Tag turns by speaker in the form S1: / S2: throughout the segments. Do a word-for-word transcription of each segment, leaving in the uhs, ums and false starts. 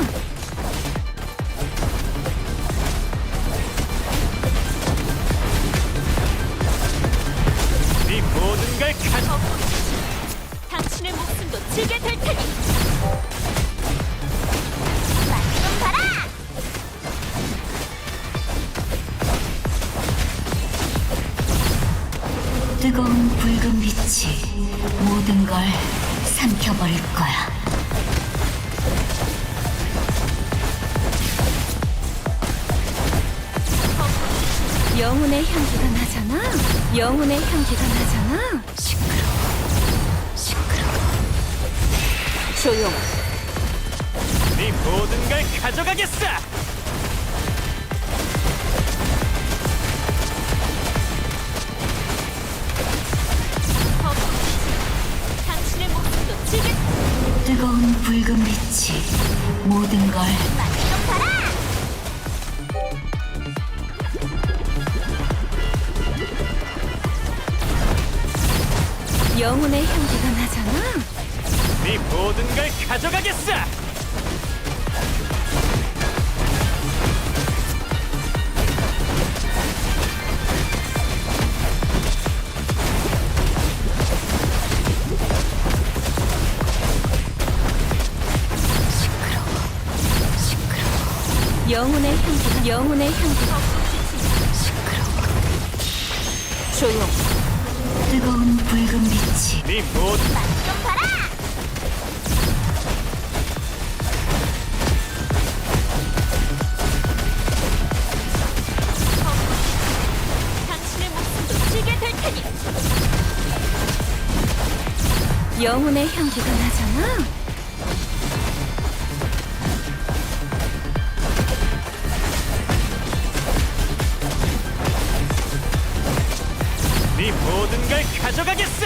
S1: 네 모든 걸 가져.
S2: 당신의 목숨도 지게 될 테니. 맛좀 봐라.
S3: 뜨거운 붉은 빛이 모든 걸 삼켜버릴 거야.
S2: 영혼의 향기가 나잖아. 영혼의 향기가 나잖아. 시끄러워. 시끄러워. 조용.
S1: 네 모든 걸 가져가겠어.
S2: 당신의 목숨도 지게.
S3: 뜨거운 붉은 빛이 모든 걸
S2: 맛좀 봐라. 영혼의 향기가 나잖아.
S1: 네 모든 걸 가져가겠어.
S2: 시끄러워. 시끄러워. 영혼의 향기가 영혼의 향기가 시끄러워. 조용.
S3: 뜨거운 붉은 빛이
S1: 네 모든
S2: 맛좀 봐라. 당신의 목숨도 지게 될 테니. 영혼의 향기가 나잖아.
S1: 네 모든 걸 가져가겠어.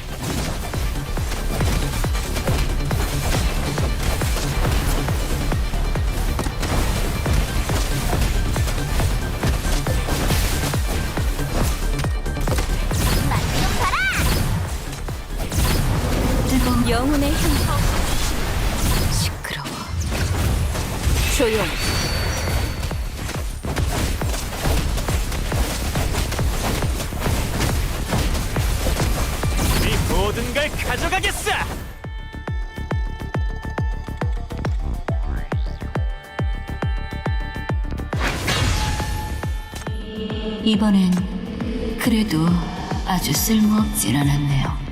S2: 맛좀 봐라.
S3: 뜨거운
S2: 영혼의 향기. 시끄러워. 조용.
S1: 네 모든 걸 가져가겠어.
S3: 이번엔 그래도 아주 쓸모없진 않았네요.